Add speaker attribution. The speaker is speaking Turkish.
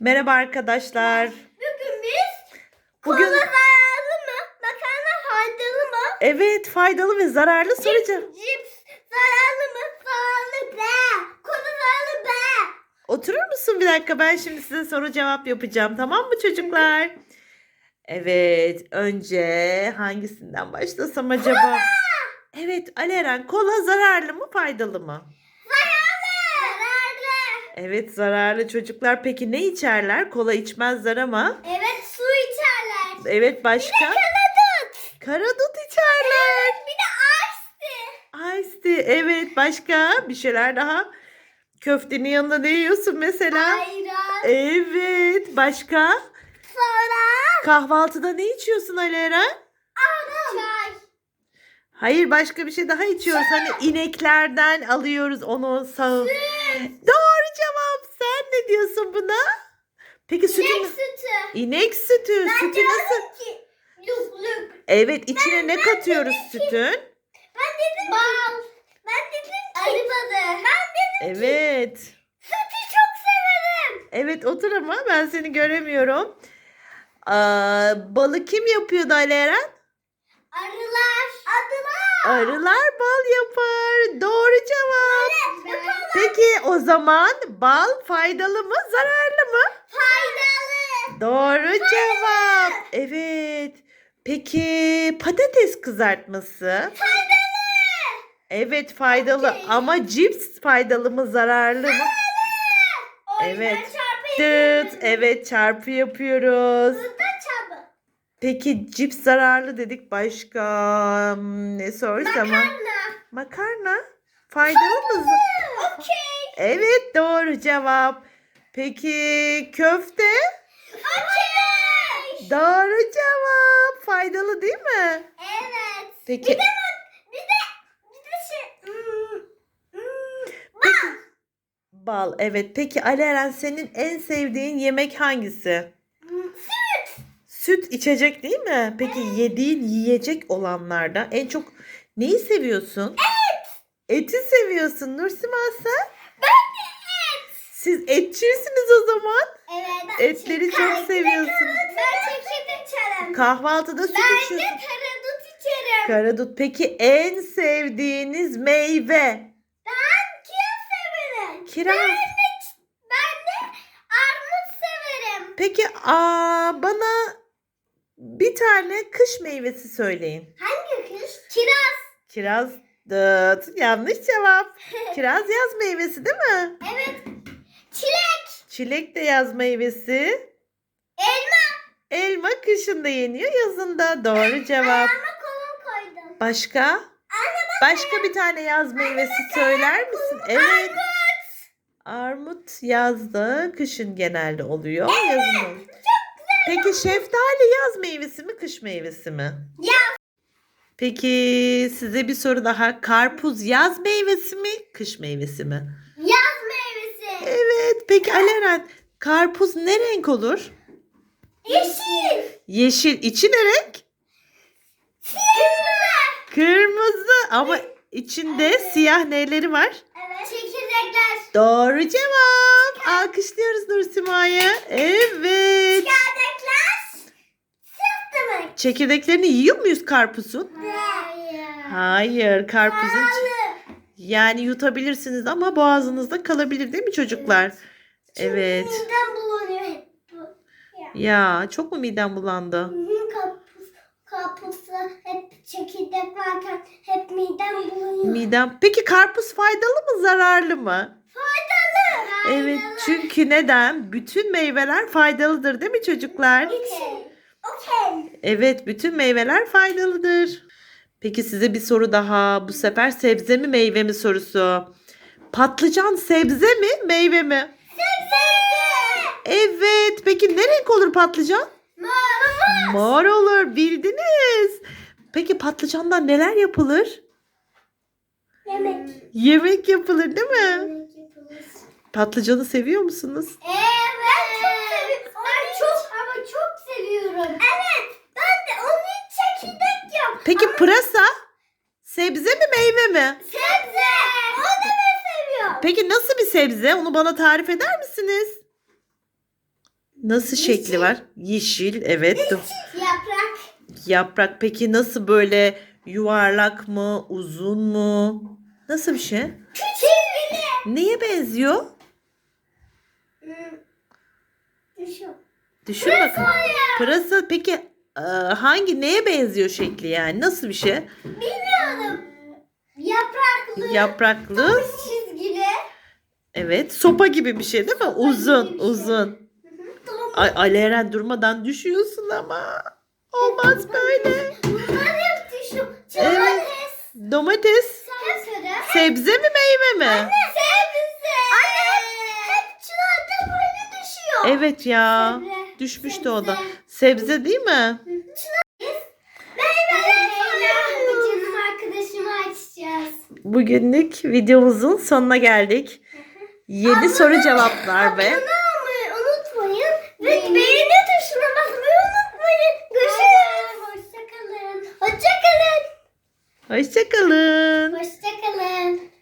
Speaker 1: Merhaba arkadaşlar.
Speaker 2: Bugün biz
Speaker 1: Bugün
Speaker 2: kola zararlı mı? Makarna faydalı mı?
Speaker 1: evet faydalı ve zararlı soracağım.
Speaker 2: Cips zararlı mı? Zararlı be. Kola zararlı be.
Speaker 1: Oturur musun bir dakika? Ben şimdi size soru cevap yapacağım. Tamam mı çocuklar? Evet, önce hangisinden başlasam acaba? Evet, Ali Eren, kola zararlı mı, faydalı mı?
Speaker 2: Zararlı.
Speaker 1: Evet, zararlı çocuklar. Peki ne içerler? Kola içmezler ama.
Speaker 2: Evet, su içerler.
Speaker 1: Evet, başka?
Speaker 2: Karadut.
Speaker 1: Karadut içerler.
Speaker 2: Bir de ice.
Speaker 1: Ice tea. Evet, başka? Bir şeyler daha. Köftenin yanında ne yiyorsun mesela?
Speaker 2: Ayran.
Speaker 1: Evet, başka?
Speaker 2: Sonra
Speaker 1: Kahvaltıda ne içiyorsun Ali Eren?
Speaker 2: çay.
Speaker 1: Hayır, başka bir şey daha içiyoruz. Hani ineklerden alıyoruz onu sağı. Doğru cevap. Sen ne diyorsun buna? Peki sütü
Speaker 2: İnek
Speaker 1: mü?
Speaker 2: sütü.
Speaker 1: İnek sütü. Sütü nasıl?
Speaker 2: Ki, luk.
Speaker 1: Evet, içine ne katıyoruz sütün?
Speaker 2: Ben dedim bal. Ben dedim ki arı balı. Ben dedim
Speaker 1: Evet.
Speaker 2: sütü çok severim.
Speaker 1: Evet, otur ama ben seni göremiyorum. Balı kim yapıyordu Ali Eren?
Speaker 2: Arılar. Adılar.
Speaker 1: Arılar bal yapar. Doğru cevap.
Speaker 2: Yapalım.
Speaker 1: Peki o zaman bal faydalı mı, zararlı mı?
Speaker 2: Faydalı.
Speaker 1: Doğru cevap. Evet. Peki patates kızartması?
Speaker 2: Faydalı.
Speaker 1: Evet faydalı
Speaker 2: Okey.
Speaker 1: ama cips faydalı mı, zararlı mı?
Speaker 2: O yüzden
Speaker 1: Evet.
Speaker 2: çarpı
Speaker 1: Dıt.
Speaker 2: yapıyoruz.
Speaker 1: Evet çarpı yapıyoruz.
Speaker 2: Burada çarpı.
Speaker 1: Peki cips zararlı dedik. Başka ne sorsam?
Speaker 2: Makarna.
Speaker 1: Makarna faydalı mı?
Speaker 2: Okey.
Speaker 1: Evet doğru cevap. Peki köfte?
Speaker 2: Okey.
Speaker 1: Doğru cevap. Faydalı değil mi?
Speaker 2: Evet.
Speaker 1: Peki.
Speaker 2: Bir de şey.
Speaker 1: Peki. Bal. Evet. Peki Ali Eren senin en sevdiğin yemek hangisi?
Speaker 2: Süt.
Speaker 1: Süt içecek değil mi? Peki yediğin yiyecek olanlarda en çok neyi seviyorsun? Eti seviyorsun. Nursima sen?
Speaker 2: Ben de et.
Speaker 1: Siz etçisiniz o zaman.
Speaker 2: Evet.
Speaker 1: Etleri çok seviyorsun.
Speaker 2: Ben çekirdek içerim.
Speaker 1: Kahvaltıda süt
Speaker 2: Ben de
Speaker 1: içiyorsun.
Speaker 2: karadut içerim.
Speaker 1: Karadut. Peki en sevdiğiniz meyve?
Speaker 2: Ben kiraz severim.
Speaker 1: Kiraz.
Speaker 2: Ben de armut severim.
Speaker 1: Peki bana bir tane kış meyvesi söyleyin.
Speaker 2: Hangi kış? Kiraz.
Speaker 1: Kiraz. Dıt. Yanlış cevap. Kiraz yaz meyvesi değil mi?
Speaker 2: Evet. Çilek.
Speaker 1: Çilek de yaz meyvesi.
Speaker 2: Elma.
Speaker 1: Elma kışında yeniyor, yazında. Doğru cevap.
Speaker 2: Ayağıma kolum koydum.
Speaker 1: Başka? Başka bir tane yaz meyvesi söyler misin? Evet. Armut yazda, kışın genelde oluyor. Yazın oluyor. Peki şeftali yaz meyvesi mi, kış meyvesi mi?
Speaker 2: Yaz.
Speaker 1: Peki size bir soru daha. Karpuz yaz meyvesi mi, kış meyvesi mi?
Speaker 2: Yaz meyvesi.
Speaker 1: Evet. Peki Aleren, karpuz ne renk olur?
Speaker 2: Yeşil.
Speaker 1: Yeşil. İçi ne renk?
Speaker 2: Kırmızı.
Speaker 1: Kırmızı ama içinde siyah neleri var?
Speaker 2: Evet. Çekirdekler.
Speaker 1: Doğru cevap. Alkışlıyoruz Nursima'yı. Evet.
Speaker 2: Çekirdekler. Siyah demek.
Speaker 1: Çekirdeklerini yiyor muyuz karpuzun?
Speaker 2: Hayır.
Speaker 1: Hayır, karpuzun.
Speaker 2: Zararlı.
Speaker 1: Yani yutabilirsiniz ama boğazınızda kalabilir değil mi çocuklar? Evet.
Speaker 2: Midem bulanıyor hep bu.
Speaker 1: Ya çok mu midem bulandı?
Speaker 2: Karpuzu hep çekirdek varken hep midem bulanıyor.
Speaker 1: Midem. Peki karpuz faydalı mı, zararlı mı?
Speaker 2: Faydalı.
Speaker 1: Evet, çünkü neden? Bütün meyveler faydalıdır değil mi çocuklar?
Speaker 2: Okey.
Speaker 1: Evet, bütün meyveler faydalıdır. Peki size bir soru daha. Bu sefer sebze mi, meyve mi sorusu. Patlıcan sebze mi, meyve mi?
Speaker 2: Sebze.
Speaker 1: Evet. Peki ne renk olur patlıcan?
Speaker 2: Mor.
Speaker 1: Mor olur. Bildiniz. Peki patlıcandan neler yapılır?
Speaker 2: Yemek.
Speaker 1: Yemek yapılır değil mi? Patlıcanı seviyor musunuz?
Speaker 2: Evet. Ben çok seviyorum. Evet. Ben de onu hiç çekirdek yok.
Speaker 1: Peki pırasa sebze mi, meyve mi?
Speaker 2: Sebze. Onu da ben seviyorum.
Speaker 1: Peki nasıl bir sebze? Onu bana tarif eder misiniz? Nasıl şekli var? Yeşil, evet.
Speaker 2: Yaprak.
Speaker 1: Yaprak peki nasıl böyle yuvarlak mı, uzun mu? Nasıl bir şey?
Speaker 2: Çizgili.
Speaker 1: Neye benziyor?
Speaker 2: Düşün.
Speaker 1: Düşün bakalım. Pırasa peki neye benziyor şekli yani? Nasıl bir şey?
Speaker 2: Bilmiyorum. Yapraklı.
Speaker 1: Yapraklı.
Speaker 2: Çizgili.
Speaker 1: Evet, sopa gibi bir şey değil mi? Uzun,
Speaker 2: gibi bir şey.
Speaker 1: uzun. Ay Aleren durmadan düşüyorsun ama. Olmaz böyle.
Speaker 2: Bunlar hep düşün.
Speaker 1: Evet. Domates.
Speaker 2: Sen söyle.
Speaker 1: Sebze mi meyve mi?
Speaker 2: Sebze. Anne hep çınarda böyle düşüyor.
Speaker 1: Evet ya.
Speaker 2: Sebze.
Speaker 1: Düşmüştü o da.
Speaker 2: Sebze.
Speaker 1: Sebze değil mi?
Speaker 2: Meyveler sonra canım arkadaşımı açacağız.
Speaker 1: Bugünlük videomuzun sonuna geldik. 7 soru cevaplar ve
Speaker 2: Abone olmayı unutmayın. Ve beğeni tuşuna basmayı unutmayın. Görüşürüz. Hoşçakalın. Hoşçakalın.
Speaker 1: hoşçakalın.
Speaker 2: Hoşçakalın.